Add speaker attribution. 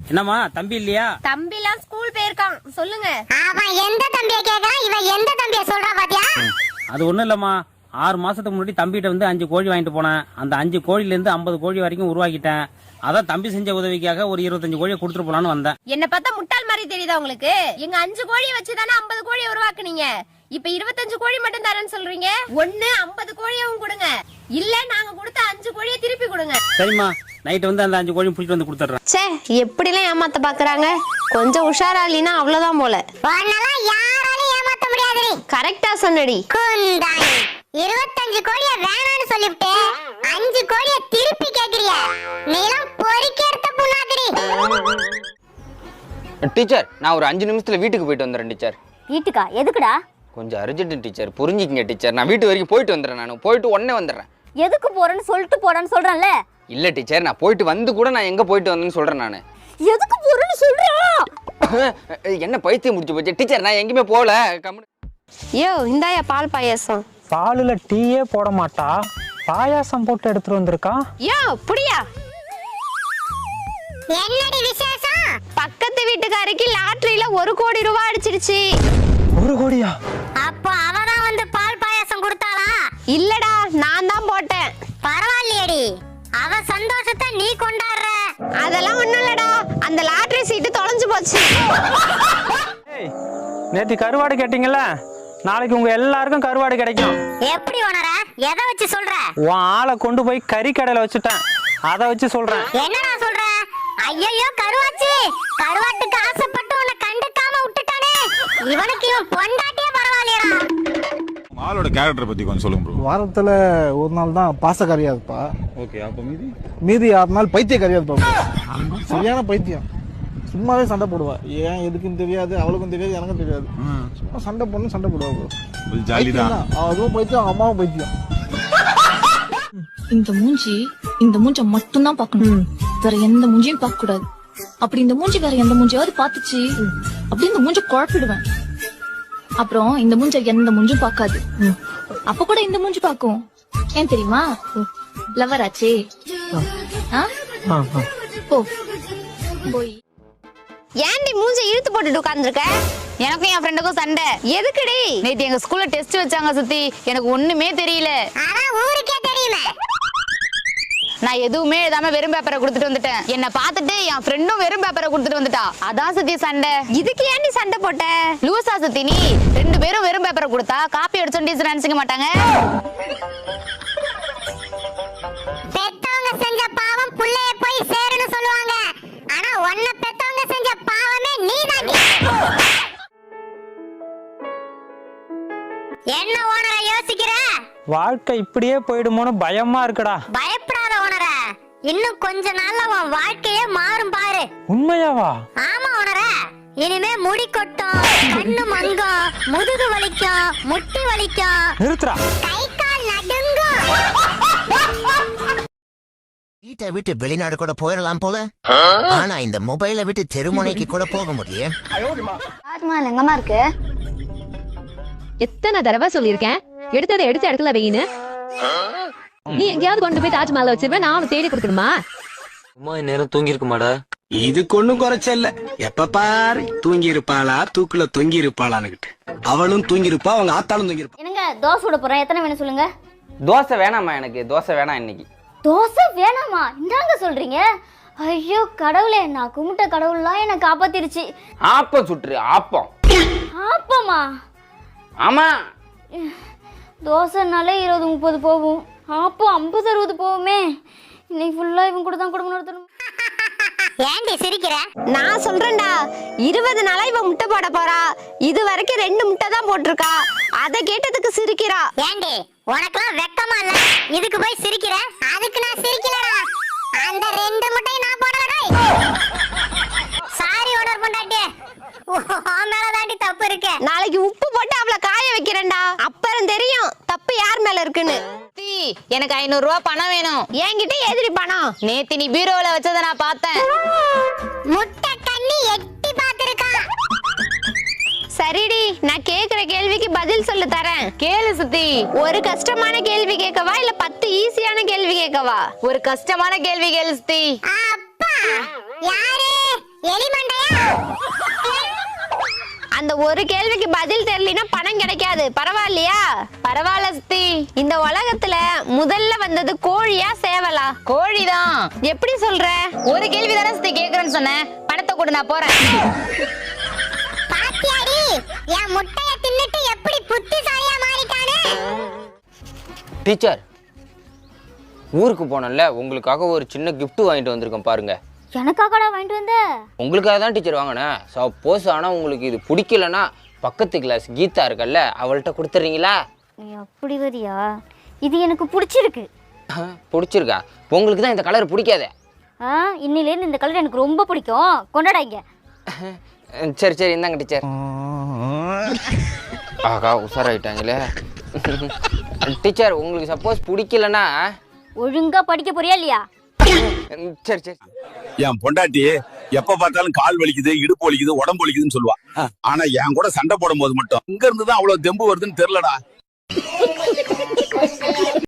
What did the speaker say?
Speaker 1: என்னம்மா தம்பி இல்லையா?
Speaker 2: தம்பிலாம் ஸ்கூல் போயிருக்கான். சொல்லுங்க.
Speaker 3: அவன் எந்த தம்பியை கேக்குறான், இவன் எந்த தம்பியை சொல்றா பாத்தியா?
Speaker 1: அது ஒண்ணும் இல்லம்மா, 6 மாசத்துக்கு முன்னாடி தம்பிகிட்ட வந்து 5 கோழி வாங்கிட்டு போனேன். அந்த 5 கோழில இருந்து 50 கோழி வரைக்கும் உருவாக்கிட்டேன். அதான் தம்பி செஞ்ச உதவிக்காக ஒரு 25 கோழியை கொடுத்துட்டு போலான்னு வந்தேன்.
Speaker 2: என்ன பார்த்தா முட்டாள் மாதிரி தெரியுதா உங்களுக்கு? எங்க 5 கோழியை வச்சுதானே 50 கோழியை உருவாக்குனீங்க. இப்ப 25 கோழி மட்டும் தரேன்னு சொல்றீங்க. ஒண்ணு 50 கோழியவும் கொடுங்க, இல்ல நாங்க கொடுத்த 5 கோழியை திருப்பி கொடுங்க.
Speaker 1: சரிம்மா, நைட் வந்து அந்த 5 கோழியும் பிடிச்சிட்டு வந்து கொடுத்துட்றேன்.
Speaker 2: சே, எப்படிலாம் ஏமாத்த பாக்குறாங்க. கொஞ்சம் உஷாரா இல்லைன்னா அவ்வளவுதான் போல.
Speaker 3: உன்னெல்லாம் யாராலையும் ஏமாத்த முடியாதுடி.
Speaker 2: கரெக்டா சொன்னடி.
Speaker 3: குந்தாணி 25 கோழிய வேணாம்னு சொல்லிவிட்டு 5 கோழிய திருப்பி கேக்குறிய. நீலாம் பொறுக்கேர்த்த புண்ணாக்குடி.
Speaker 4: டீச்சர், நான் ஒரு 5 நிமிஷத்துல வீட்டுக்கு போயிட்டு வந்துடுறேன் டீச்சர்.
Speaker 5: வீட்டுக்கா? எதுக்குடா?
Speaker 4: கொஞ்சம் அர்ஜென்ட் டீச்சர், புரிஞ்சுக்கிங்க டீச்சர். நான் வீட்டு வரைக்கும் போயிட்டு வந்துடுறேன். நான் போயிட்டு உடனே வந்துடுறேன்.
Speaker 5: எதுக்கு போறேன்னு சொல்லிட்டு போடான்னு சொல்றேன்ல.
Speaker 4: இல்ல டீச்சர், நான் போயிட்டு வந்து கூட நான் எங்க போயிட்டு வந்தேன்னு சொல்றேன். நான்
Speaker 5: எதுக்கு போறேன்னு சொல்றேன்.
Speaker 4: என்ன பைத்தியம் முடிச்சு போச்சு டீச்சர், நான் எங்கேயுமே போகல.
Speaker 2: யோ, இந்தாயா பால் பாயாசம்.
Speaker 6: பாலுல டீயே போட மாட்டா, பாயாசம் போட்டு எடுத்துட்டு வந்திருக்கா.
Speaker 2: யோ, புடியா.
Speaker 3: என்னடி விசேஷம்?
Speaker 2: பக்கத்து வீட்டுக்காரிக்கு லாட்டரியில 1 கோடி ரூபாய் அடிச்சிருச்சு.
Speaker 6: 1 கோடியா?
Speaker 3: அப்போ அவதான் வந்து பால் பாயாசம் கொடுத்தாளா?
Speaker 2: இல்லடா, நான் தான் போட்டேன்.
Speaker 3: பரவாயில்லையடி, அவ சந்தோஷத்தை நீ கொண்டாடுற.
Speaker 2: அதெல்லாம் ஒண்ணும் இல்லடா, அந்த லாட்டரி சீட்டு தொலைஞ்சு போச்சு.
Speaker 6: நேத்து கருவாடு கேட்டீங்கல்ல, நாளைக்கு உங்க எல்லாருக்கும் கருவாடு கிடைக்கும்.
Speaker 3: எப்படி உணர? எதை வச்சு சொல்ற?
Speaker 6: உன் ஆளை கொண்டு போய் கறி கடையில வச்சுட்டேன், அதை வச்சு சொல்றேன்.
Speaker 3: என்னடா சொல்ற? ஐயோ கருவாச்சி, கருவாட்டுக்கு ஆசைப்பட்டு உன்னை கண்டுக்காம விட்டுட்டானே. இவனுக்கு இவன் பொண்டாட்டியே பரவாயில்லையடா.
Speaker 7: ஆளோட கேரக்டர் பத்தி கொஞ்சம் சொல்லுங்க ப்ரோ.
Speaker 8: வாரத்துல ஒரு நாள் தான் பாசக்காரியா இருப்பா.
Speaker 7: ஓகே, அப்ப
Speaker 8: மீதி 6 நாள் பைத்தியக்காரியா இருப்பா. சரியான பைத்தியம். சும்மாவே சண்டை போடுவா. ஏன் எதுக்குன்னு தெரியாது, அவளுக்கும் தெரியாது, எனக்கும் தெரியாது. சும்மா சண்டை போடணும், சண்டை போடுவா ப்ரோ.
Speaker 7: ஜாலி தான்.
Speaker 8: அதுவும் பைத்தியம், அவங்க அம்மாவும் பைத்தியம்.
Speaker 9: இந்த மூஞ்ச மட்டும் தான் பார்க்கணும், வேற எந்த மூஞ்சியும் பார்க்க கூடாது. அப்படி இந்த மூஞ்சி வேற எந்த மூஞ்சியாவது பாத்துச்சு அப்படி இந்த மூஞ்ச குழப்பிடுவேன். அப்புறம் இந்த மூஞ்ச எந்த மூஞ்சும் பார்க்காது, அப்ப கூட இந்த மூஞ்சி பார்க்கும். ஏன் தெரியுமா? லவர் ஆச்சே. போ போய்.
Speaker 2: ஏன்டி மூஞ்ச இழுத்து போட்டுட்டு உட்கார்ந்துருக்க?
Speaker 5: எனக்கும் என் ஃப்ரெண்டுக்கும் சண்டை.
Speaker 2: எதுக்குடி?
Speaker 5: நேத்து எங்க ஸ்கூல்ல டெஸ்ட் வச்சாங்க சுத்தி, எனக்கு ஒண்ணுமே தெரியல.
Speaker 3: அதான் ஊருக்கே தெரியுமே.
Speaker 5: நான் எதுவுமே எழுதாம வெறும் பேப்பரை கொடுத்துட்டு வந்துட்டேன். என்ன பார்த்துட்டு என் ஃப்ரெண்டும் வெறும் பேப்பரை கொடுத்துட்டு வந்துட்டா. அதான் சுத்தி சண்டை.
Speaker 2: இதுக்கு ஏன்டி சண்டை போட்ட?
Speaker 5: லூசா சுத்தி நீ? 2 பேரும் வெறும் பேப்பரை கொடுத்தா காப்பி அடிச்சோம் டீச்சர் நினைச்சுக்க மாட்டாங்க.
Speaker 3: பெத்தவங்க செஞ்ச பாவம் புள்ளைய போய் சேருன்னு சொல்லுவாங்க. ஆனா உன்னை பெத்தவங்க செஞ்ச பாவமே நீதான். என்ன ஓனர யோசிக்கிற?
Speaker 6: வாழ்க்கை இப்படியே போயிடுமோன்னு பயமா இருக்குடா.
Speaker 3: பயப்படாத ஓனர, இன்னும் கொஞ்ச நாள்ல உன் வாழ்க்கையே மாறும் பாரு.
Speaker 6: உண்மையாவா?
Speaker 3: ஆமா ஓனர, இனிமே முடி கொட்டும், கண்ணு மங்கும், முதுகு வலிக்கும், முட்டி வலிக்கும்,
Speaker 6: நிறுத்துறா.
Speaker 3: கை கால் நடுங்கும்.
Speaker 10: வீட்டை விட்டு வெளிநாடு கூட போயிடலாம் போல, ஆனா இந்த மொபைலை விட்டு தெருமுனைக்கு கூட போக முடியும்.
Speaker 5: தாஜ்மஹால் எங்கம்மா இருக்கு?
Speaker 9: எத்தனை தடவை சொல்லியிருக்கேன் எடுத்ததை எடுத்த இடத்துல வையின்னு. நீ எங்கேயாவது கொண்டு போய் தாஜ்மஹால் வச்சிருவேன், நான் தேடி கொடுக்கணுமா?
Speaker 4: அம்மா நேரம் தூங்கி இருக்குமாடா?
Speaker 11: இதுக்கு ஒண்ணும் குறைச்ச இல்ல. எப்ப பாரு தூங்கி இருப்பாளா, தூக்குல தொங்கி இருப்பாளான்னு. அவளும் தூங்கி இருப்பா, அவங்க ஆத்தாலும் தூங்கி இருப்பா.
Speaker 5: என்னங்க தோசை விட போறேன், எத்தனை வேணும் சொல்லுங்க.
Speaker 4: தோசை வேணாமா, எனக்கு தோசை வேணாம் இன்னைக்கு.
Speaker 5: தோசை வேணாமா? இந்தாங்க சொல்றீங்க. ஐயோ கடவுளே, நான் கும்பிட்ட கடவுள்லாம் என்ன காப்பாத்திருச்சு.
Speaker 4: ஆப்பம் சுட்டுரு, ஆப்பம்.
Speaker 5: ஆப்பமா?
Speaker 4: ஆமா,
Speaker 5: தோசைனாலே 20-30 போகும், ஆப்பம் 50-60 போகுமே. இன்னைக்கு ஃபுல்லா இவன் கூட தான் குடும்பம் நடத்தணும்.
Speaker 3: ஏண்டி சிரிக்கிற?
Speaker 2: நான் சொல்றேன்டா, 20 நாளா இவ முட்டை போட போறா. இது வரைக்கும் 2 முட்டை தான் போட்டிருக்கா. அதை கேட்டதுக்கு சிரிக்கிறா.
Speaker 3: ஏண்டி உனக்கெல்லாம் வெக்கமா இல்ல? இதுக்கு போய் சிரிக்கிற? அதுக்கு நான் சிரிக்கலடா. அந்த 2 முட்டையை நான் போடலடா. சாரி ஓனர் பொண்டாட்டி, மேலதாண்டி தப்பு இருக்கு.
Speaker 2: நாளைக்கு உப்பு போட்டு அவளை காய வைக்கிறேன்டா, அப்புறம் தெரியும் தப்பு யார் மேல இருக்குன்னு.
Speaker 5: எனக்கு 500 ரூபாய் பணம் வேணும்.
Speaker 2: என்கிட்ட எதிரி பணம்?
Speaker 5: நேத்து நீ பீரோல வச்சத நான் பார்த்தேன்.
Speaker 3: முட்டை கண்ணி எட்டி பாத்துருக்கா.
Speaker 2: சரிடி, நான் கேக்குற கேள்விக்கு பதில் சொல்லு தரேன்.
Speaker 5: கேளு சுத்தி.
Speaker 2: ஒரு கஷ்டமான கேள்வி கேட்கவா இல்ல 10 ஈஸியான கேள்வி கேட்கவா?
Speaker 5: ஒரு கஷ்டமான கேள்வி கேளு சுத்தி.
Speaker 3: அப்பா யாரு?
Speaker 2: அந்த ஒரு கேள்விக்கு பதில் தெரியலனா பணம் கிடைக்காது. பரவாயில்லையா?
Speaker 5: பரவாயில்ல சித்தி.
Speaker 2: இந்த உலகத்துல முதல்ல வந்தது கோழியா சேவலா?
Speaker 5: கோழிதான்.
Speaker 2: எப்படி சொல்ற?
Speaker 5: ஒரு கேள்வி தானே சித்தி கேக்குறேன்னு சொன்னேன். பணத்தை கொடு, நான் போறேன்.
Speaker 3: பாத்தியாடி என் முட்டைய தின்னுட்டு எப்படி புத்திசாலியா மாறிட்டானே.
Speaker 4: டீச்சர், ஊருக்கு போனேன்ல, உங்களுக்காக ஒரு சின்ன gift வாங்கிட்டு வந்திருக்கேன் பாருங்க.
Speaker 3: எனக்காகடா வாங்கிட்டு வந்த?
Speaker 4: உங்களுக்காக தான் டீச்சர் வாங்கினேன். சப்போஸ் ஆனால் உங்களுக்கு இது பிடிக்கலன்னா பக்கத்து கிளாஸ் கீதா இருக்கல்ல, அவள்கிட்ட கொடுத்துட்றீங்களா?
Speaker 3: நீ அப்படி வரியா? இது எனக்கு பிடிச்சிருக்கு.
Speaker 4: பிடிச்சிருக்கா? உங்களுக்கு தான் இந்த கலர் பிடிக்காதே.
Speaker 3: இன்னிலேருந்து இந்த கலர் எனக்கு ரொம்ப பிடிக்கும். கொண்டாடாங்க.
Speaker 4: சரி சரி, இந்தாங்க டீச்சர். ஆகா, உஷாராயிட்டாங்களே. டீச்சர், உங்களுக்கு சப்போஸ் பிடிக்கலன்னா
Speaker 3: ஒழுங்கா படிக்க போறியா இல்லையா?
Speaker 4: சரி சரி.
Speaker 7: என் பொண்டாட்டி எப்ப பார்த்தாலும் கால் வலிக்குது, இடுப்பு வலிக்குது, உடம்பு வலிக்குதுன்னு சொல்லுவா. ஆனா என் கூட சண்டை போடும் போது மட்டும் இங்க இருந்துதான் அவ்வளவு தெம்பு வருதுன்னு தெரியலடா.